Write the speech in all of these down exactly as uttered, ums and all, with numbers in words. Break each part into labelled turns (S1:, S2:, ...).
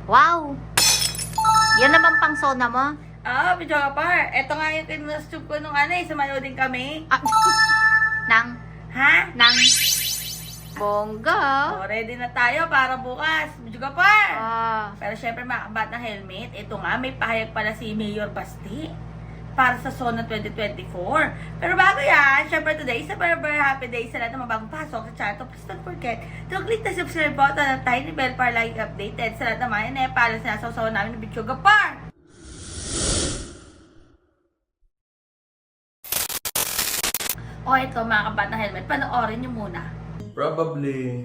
S1: Wow! Yan naman pang sona mo?
S2: Ah, video ka par. Ito nga yung kinustube ko nung ano eh, sumayo din kami.
S1: Ah, nang,
S2: Ha?
S1: nang, bongga.
S2: O, ready na tayo para bukas. Video ka par.
S1: Ah,
S2: Pero syempre mga kabat ng helmet, ito nga, may pahayag pala si Mayor Basti para sa SONA twenty twenty-four. Pero bago yan, syempre today is a very very happy day sa lahat ng mga bagong pasok sa channel. Please don't forget to click the subscribe button at tiny bell para lagi updated sa lahat ng mga ine para sa nasasawa namin ng video gapar. O ito mga kabat ng helmet, panoorin nyo muna.
S3: Probably,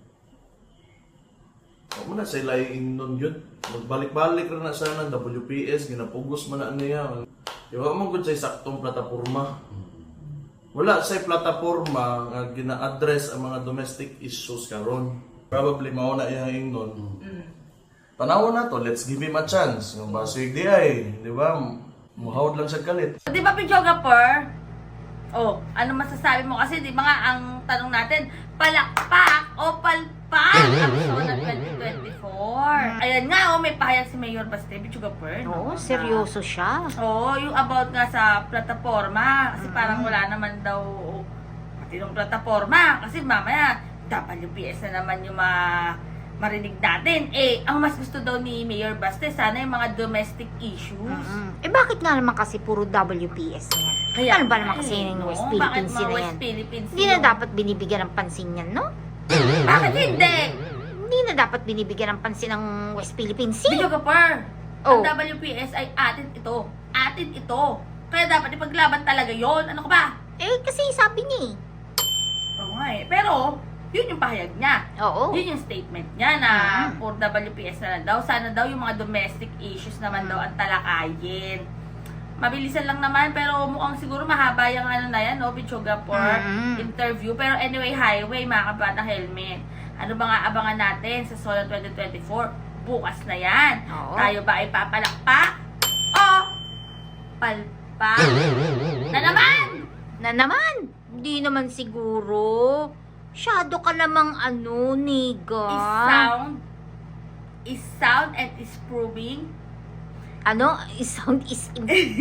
S3: huwag mo na sila nun yun. Magbalik-balik rin na sana ng W P S, ginapugos mo na niya. Iwa mo gud sa saktong plataporma. Wala sa plataporma nga gina-address ang mga domestic issues karon. Probably mao na ihaing nun.
S2: Mm.
S3: Tanaw na to, let's give him a chance. Yung basig di ay, di ba? Muhawd lang siya kalit.
S2: Di ba videographer? Oh, ano masasabi mo? Kasi di ba nga ang tanong natin, palakpak o palpak ang SONA twenty twenty-four? Ayan nga, oh, may pahayag si Mayor Basti, videographer.
S1: oo, seryoso siya.
S2: Oo, oh, yung about nga sa plataforma. Kasi parang wala naman daw matinong plataforma. Kasi mamaya, W P S na naman yung ma marinig natin. Eh, ang mas gusto daw ni Mayor Basti, sana yung mga domestic issues.
S1: Mm. Eh bakit nga naman kasi puro W P S na yan?
S2: Kaya
S1: ano ba
S2: nga
S1: naman kasi
S2: eh,
S1: yung
S2: no?
S1: West
S2: Bakit
S1: Philippines
S2: mga
S1: na
S2: West
S1: yan?
S2: Philippines
S1: Hindi na
S2: yun?
S1: dapat binibigyan ng pansin yan, no?
S2: Bakit hindi?
S1: Hindi na dapat binibigyan ng pansin ng West Philippines Sea.
S2: Video kapar.
S1: Oh.
S2: Ang W P S ay atin ito. Atin ito. Kaya dapat ipaglaban talaga yon. Ano ka ba?
S1: Eh, kasi sabi niya eh.
S2: Oo nga eh. Pero, yun yung pahayag niya.
S1: Oo.
S2: Yun yung statement niya na
S1: Mhm.
S2: for W P S na lang daw. Sana daw yung mga domestic issues naman
S1: Mhm.
S2: daw ang talakayin. Mabilisan lang naman pero mukhang siguro mahaba yung ano na yan, no? Bichoga for
S1: Mhm.
S2: interview. Pero anyway, highway, mga kabatang helmet. Ano ba nga abangan natin sa SONA twenty twenty-four? Bukas na yan.
S1: Oo.
S2: Tayo ba ay papalakpak o palpak? Na naman!
S1: Na naman! Hindi naman siguro. Shadow ka namang ano, niga.
S2: Is sound, is sound and is proving.
S1: Ano? Is sound is...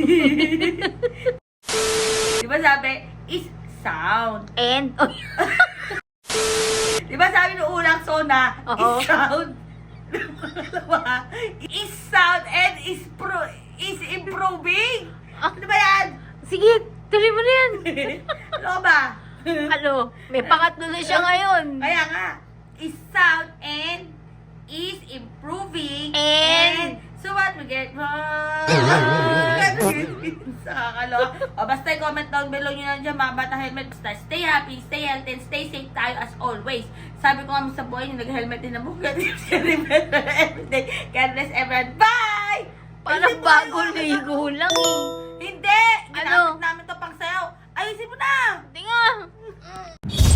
S2: Di ba sabi, is sound.
S1: And...
S2: Di ba sabi nung unang SONA,
S1: Oo.
S2: is sound. Pangalawa, is sound and is pro is improving. Ano ba yan?
S1: Sige, tuloy mo na yan.
S2: Ano ba?
S1: Ano? May pangatlo na siya ngayon.
S2: Kaya nga, is sound and is improving
S1: And-
S2: so what we get wrong. Sa kakalo. O basta i-comment down below nyo na dyan mga batang helmet. Basta stay happy, stay healthy, and stay safe tayo as always. Sabi ko nga sa buhay yung nag-helmet din na buhay. Remember everyday. God bless everyone. Bye!
S1: Parang
S2: Ayusin mo
S1: bago
S2: yun.
S1: ligo lang eh.
S2: Hindi!
S1: Ano?
S2: Ginamit namin to pang sayaw. Ayusin mo na!
S1: Hindi nga.